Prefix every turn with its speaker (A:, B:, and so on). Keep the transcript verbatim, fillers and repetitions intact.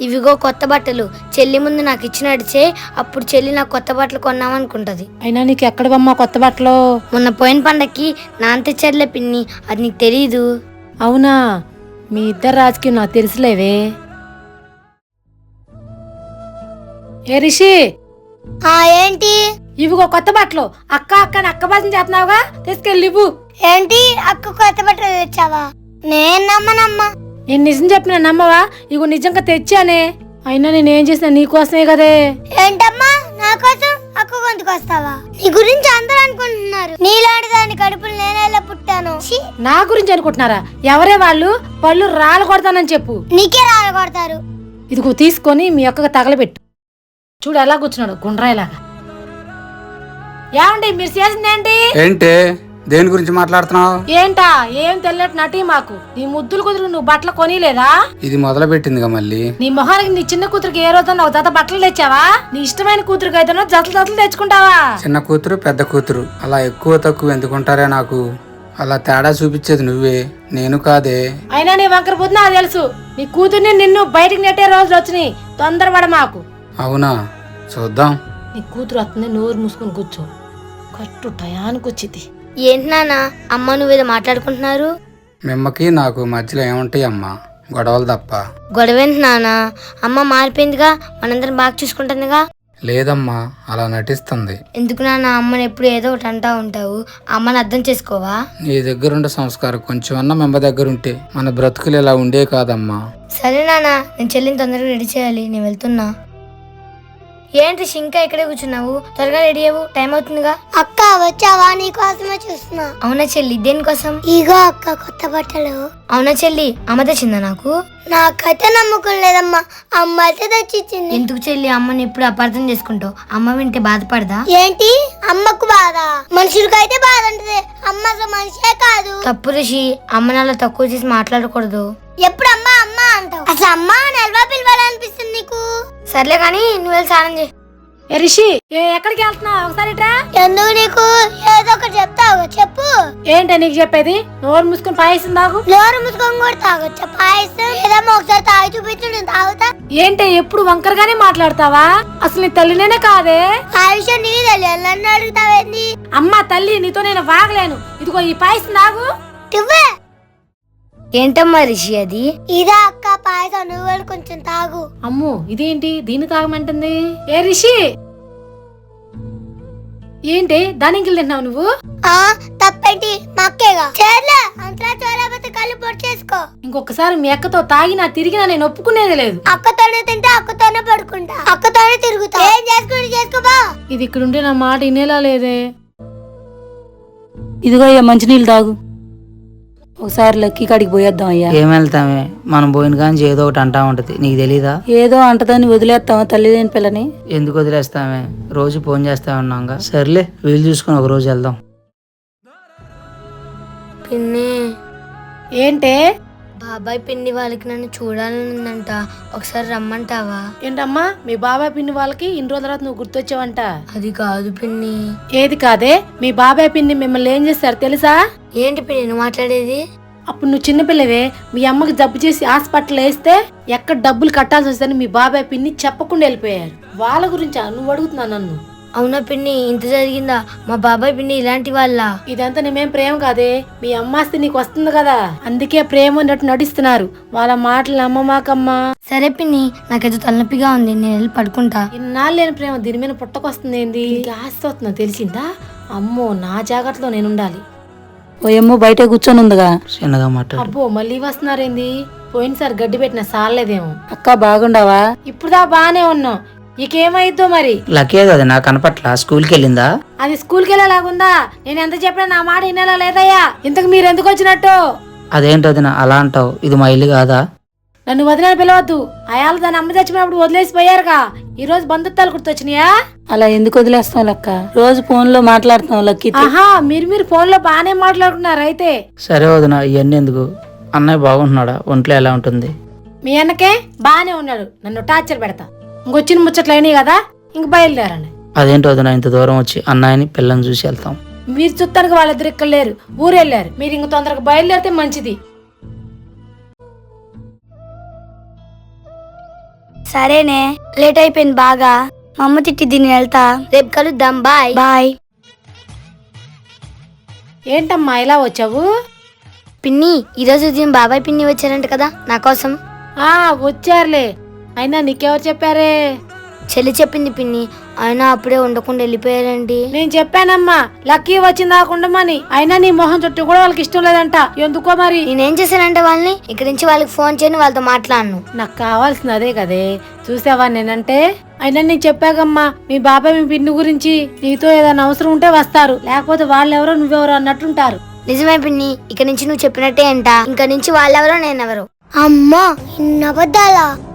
A: ఇవిగో కొత్త బట్టలు. చెల్లి ముందు నాకు ఇచ్చి నడిచే, అప్పుడు చెల్లి నాకు కొత్త బట్టలు కొన్నామనుకుంటది.
B: అయినా నీకు ఎక్కడవమ్మా కొత్త బట్టలు?
A: మొన్న పోయిన పండక్కి నాన్న తెచ్చారులే పిన్ని, అది నీకు తెలీదు.
B: అవునా, మీ ఇద్దరు రాజకీయం నాకు తెలుసులేవే. ఏ రిషి,
A: ఏంటి?
B: ఇవిగో కొత్త బట్టలు. అక్క అక్క అక్క భాషను చేస్తున్నావుగా, తీసుకెళ్ళి ఇవ్వు.
A: ఏంటి అక్క కొత్త బట్టలు తెచ్చావా? నేను నమ్మనమ్మా.
B: నేను నిజం చెప్పిన నమ్మవా? ఇగో నిజంగా తెచ్చానే. అయినా నేనేం చేసినా నీకోసమే కదే.
A: ఏంటమ్మా నా కోసం అక్క గొంతుకొస్తావా? నీ గురించి అందరూ అనుకుంటున్నారు, నీలాంటి దాని కడుపులు నేనేలా పుట్టాను.
B: నా గురించి అనుకుంటున్నారా? ఎవరే వాళ్ళు? పళ్ళు రాళ్ళు కొడతానని చెప్పు.
A: నీకే రాళ్ళు కొడతారు.
B: ఇదిగో తీసుకొని మీ అక్కకు తగలబెట్టు. చూడు ఎలా కూర్చున్నాడు గుండ్రాయిలాగా. ఏమండి మీరు చేసిందేంటి?
C: ఏంటి దేని గురించి మాట్లాడుతున్నావు?
B: ఏంటా ఏం తెలియట్ నటి మాకు. నీ ముద్దులు కుదురు నువ్వు బట్టలు కొనిలేదా?
C: ఇది మొదలు పెట్టిందిగా మళ్ళీ.
B: నీ మొహానికి నీ చిన్న కూతురికి ఏ రోజు ఒక జత బట్టలు తెచ్చావా? నీ ఇష్టమైన కూతురికి అయితే జతలు జతలు తెచ్చుకుంటావా?
C: చిన్న కూతురు పెద్ద కూతురు అలా ఎక్కువ తక్కువ ఎందుకుంటారే? నాకు అలా తేడా చూపించేది నువ్వే, నేను కాదే.
B: అయినా నీ వంకర బుద్ధి నాకు తెలుసు. నీ కూతుర్ని నిన్ను బయటికి నెట్టే రోజులు వచ్చినాయి, తొందరపడ మాకు.
C: అవునా, చూద్దాం.
B: నీ కూతురు వస్తుంది, నోరు మూసుకొని కూర్చో. కట్టు టయానికి వచ్చింది.
A: ఏంటి నాన్న అమ్మ నువ్వేదో మాట్లాడుకుంటున్నారు?
C: మిమ్మకి నాకు మధ్యలో ఏముంటాయి అమ్మా, గొడవలు తప్ప.
A: గొడవేంటి నాన్న? అమ్మ మారిపోయిందిగా, మనందరం బాగా చూసుకుంటుందిగా.
C: లేదమ్మా, అలా నటిస్తుంది.
A: ఎందుకు నాన్న అమ్మని ఎప్పుడు ఏదో ఒకటి అంటా ఉంటావు? అమ్మని అర్థం చేసుకోవా?
C: నీ దగ్గరుండే సంస్కారం కొంచెం అన్న మెమ్మ దగ్గర ఉంటే మన బ్రతుకులు ఇలా ఉండే కాదమ్మా.
A: సరే నాన్న, నేను చెల్లిని తొందరగా రెడీ చేయాలి, నేను వెళ్తున్నా. ఏంటి ఇంకా ఇక్కడే కూర్చున్నావు? త్వరగా రెడీ అవ్వు, టైం అవుతుందిగా. అక్క వచ్చావా? నీ కోసమే చూస్తున్నా. అవునా చెల్లి, దేనికోసం? ఇగో అక్క కొత్త బట్టలు. అవునా చెల్లి, అమ్మ తెచ్చిందా నాకు? నాకైతే నమ్మకం లేదమ్మా, అమ్మ అయితే తెచ్చిచ్చింది. ఎందుకు చెల్లి అమ్మని ఎప్పుడు అపార్థం చేసుకుంటావు? అమ్మ వింటే బాధపడదా? ఏంటి అమ్మకు బాధ? మనుషులకైతే బాధ ఉంటుంది, అమ్మ అసలు మనిషే కాదు. తప్పు రిషి, అమ్మని అలా తక్కువ చేసి మాట్లాడకూడదు. ఎప్పుడు అమ్మ అమ్మ అంటావు? అసలు అమ్మ నెలవా పిలవాలనిపిస్తుంది నీకు? సర్లే కానీ నువ్వు వెళ్ళి స్నానం చేయి.
B: ఏ రిషి, ఎక్కడికి వెళ్తున్నావు? ఒకసారి
A: ఎందుకు నీకు ఏదో ఒకటి చెప్తావు, చెప్పు.
B: ఏంటి నీకు చెప్పేది? నోరు మూసుకొని పాయసం తాగు.
A: నోరు మూసుకొని కూడా తాగొచ్చా పాయసం? ఏదమ్మా ఒకసారి తాగి చూపించు, నేను తాగుతా.
B: ఏంటి ఎప్పుడు వంకరగానే మాట్లాడతావా? అసలు నీ తల్లినేనే కాదే.
A: ఆ విషయం నీకు తెలియాలి, నన్ను అడుగుతావేంది?
B: అమ్మా తల్లి, నీతో నేను వాగలేను. ఇదిగో ఈ పాయసం తాగు.
A: ఏంటమ్మా రిషి అది? ఇదా అక్క పాయసం, నువ్వు కొంచెం తాగు.
B: అమ్మో ఇదేంటి దీన్ని తాగమంటుంది? ఏ రిషి, ఏంటి దానికి తింటున్నావు నువ్వు?
A: ఆ తప్పేంటి, మా అక్కేగా. చేర్లే అంతలా చోరాబోతే కళ్ళు పొడి చేసుకో.
B: ఇంకొకసారి మీ అక్కతో తాగినా తిరిగినా నేను ఒప్పుకునేది లేదు.
A: అక్కతోనే తింటే అక్కతోనే పడుకుంటా, అక్కతోనే తిరుగుతా. ఏం చేసుకుంటే చేసుకోబా.
B: ఇది ఇక్కడ ఉంటే నా మాట వినేలా లేదే.
D: ఇదిగో అయ్యా మంచినీళ్ళు తాగు. ఒకసారి లక్కీ కాడికి పోయేద్దాం అయ్యా.
E: ఏం వెళ్తామే, మనం పోయిన కానీ ఏదో ఒకటి అంటా ఉంటది, నీకు తెలీదా?
D: ఏదో అంటదని వదిలేస్తావా తల్లిదేని పిల్లని?
E: ఎందుకు వదిలేస్తామే, రోజు ఫోన్ చేస్తా ఉన్నాగా. సర్లే వీలు చూసుకుని ఒక రోజు వెళ్దాం.
A: పిన్ని,
B: ఏంటే?
A: బాబాయ్ పిన్ని వాళ్ళకి నన్ను చూడాలని ఉందంట, ఒకసారి రమ్మంటావా?
B: ఏంటమ్మా మీ బాబాయ్ పిన్ని వాళ్ళకి ఇన్ని రోజుల తర్వాత నువ్వు గుర్తొచ్చావంట?
A: అది కాదు పిన్ని.
B: ఏది కాదే, మీ బాబాయ్ పిన్ని మిమ్మల్ని ఏం చేస్తారు తెలుసా?
A: ఏంటి పిన్ని నువ్వు మాట్లాడేది?
B: అప్పుడు నువ్వు చిన్నపిల్లవే, మీ అమ్మకి జబ్బు చేసి హాస్పిటల్ వేస్తే ఎక్కడ డబ్బులు కట్టాల్సి వస్తుందని మీ బాబాయ్ పిన్ని చెప్పకుండా వెళ్ళిపోయారు. వాళ్ళ గురించా నువ్వు అడుగుతున్నావు నన్ను?
A: అవునా పిన్ని, ఇంత జరిగిందా? మా బాబాయ్ పిన్ని ఇలాంటి వాళ్ళ?
B: ఇదంతా నేమేం ప్రేమ కాదే, మీ అమ్మాస్తి నీకు వస్తుంది కదా, అందుకే ప్రేమ ఉన్నట్టు నటిస్తున్నారు. వాళ్ళ మాటలు నమ్మమాకమ్మా.
A: సరే పిన్ని, నాకేదో తలనొప్పిగా ఉంది, నేను వెళ్ళి పడుకుంటా.
B: ఇన్నాళ్ళు లేని ప్రేమ దీని మీద పుట్టకొస్తుంది ఏంది? ఆస్తి వస్తుందో తెలిసిందా? అమ్మో నా జాగ్రత్తలో నేను ఉండాలి.
D: ఓయమ్మో బయట కూర్చొని ఉందిగా.
E: చిన్నగా మాట్లాడు.
B: అబ్బో మళ్ళీ వస్తున్నారేంది? పోయినసారి గడ్డి పెట్టిన సాలేదేమో.
D: అక్క బాగుండావా?
B: ఇప్పుడుదా బానే ఉన్నాం, ఇకేమైద్దో మరి.
E: లక్కీ అది నాకు కనపట్ల, స్కూల్కి వెళ్ళిందా?
B: అది స్కూల్కి వెళ్ళేలాగుందా? నేను ఎంత చెప్పినా నా మాట వినేలా లేదయ్యా. ఇంతకు మీరు ఎందుకు వచ్చినట్టు?
E: అదేంటి వదిన అలా అంటావు, ఇది మా ఇల్లు కాదా?
B: నన్ను వదిన పిలవద్దు, అయాలు దాని అమ్మ చచ్చిపోయినప్పుడు వదిలేసి పోయారుగా, ఈ రోజు బంధుత్వాలు గుర్తొచ్చినాయా?
D: అలా ఎందుకు వదిలేస్తాం లక్క, రోజు ఫోన్ లో మాట్లాడుతాం లక్కీ.
B: ఆహా, మీరు మీరు ఫోన్ లో బానే మాట్లాడుకున్నారు అయితే.
E: సరే వదిన ఇవన్నీ ఎందుకు, అన్నయ్య బాగుంటున్నాడా, ఒంట్లో ఎలా ఉంటుంది?
B: మీ అన్నకే బానే ఉన్నాడు, నన్ను టార్చర్ పెడతా. ఇంకొచ్చిన ముచ్చట్లు అయినాయి కదా, ఇంక బయలుదేరండి.
E: అదేంటి వదిన ఇంత దూరం వచ్చి అన్నయ్యని పిల్లని చూసి వెళ్తాం?
B: మీరు చూస్తానికి వాళ్ళిద్దరు ఇక్కడ లేరు, ఊరు వెళ్ళారు. మీరు ఇంక తొందరగా బయలుదేరితే మంచిది.
A: సరేనే లేట్ అయిపోయింది బాగా. మా అమ్మ తిట్టి దీన్ని వెళ్తా. రేపు కలుద్దాం. Bye bye.
B: ఏంటమ్మా ఇలా వచ్చావు?
A: పిన్ని ఈరోజు ఉదయం బాబాయ్ పిన్ని వచ్చారంట కదా నా కోసం.
B: ఆ వచ్చారులే, అయినా నీకెవరు చెప్పారే?
A: చెల్లి చెప్పింది పిన్ని. అయినా అప్పుడే ఉండకుండా వెళ్ళిపోయారండి.
B: నేను చెప్పానమ్మా లక్కీ వచ్చింది ఉండమని, అయినా నీ మొహం చుట్టూ కూడా వాళ్ళకి ఇష్టం లేదంట. ఎందుకో మరి.
A: నేనేం చేశానంటే వాళ్ళని ఇక్కడి నుంచి వాళ్ళకి ఫోన్ చేయని వాళ్ళతో మాట్లాడను.
B: నాకు కావాల్సింది అదే కదే. చూసావా నేనంటే? అయినా నేను చెప్పాకమ్మా మీ బాబాయ్ మీ పిన్ని గురించి. నీతో ఏదైనా అవసరం ఉంటే వస్తారు, లేకపోతే వాళ్ళెవరో నువ్వెవరో అన్నట్టుంటారు.
A: నిజమే పిన్ని, ఇక నుంచి నువ్వు చెప్పినట్టే అంట. ఇంక నుంచి వాళ్ళెవరో నేనెవరో. అమ్మా ఇన్ని అబద్ధాలా?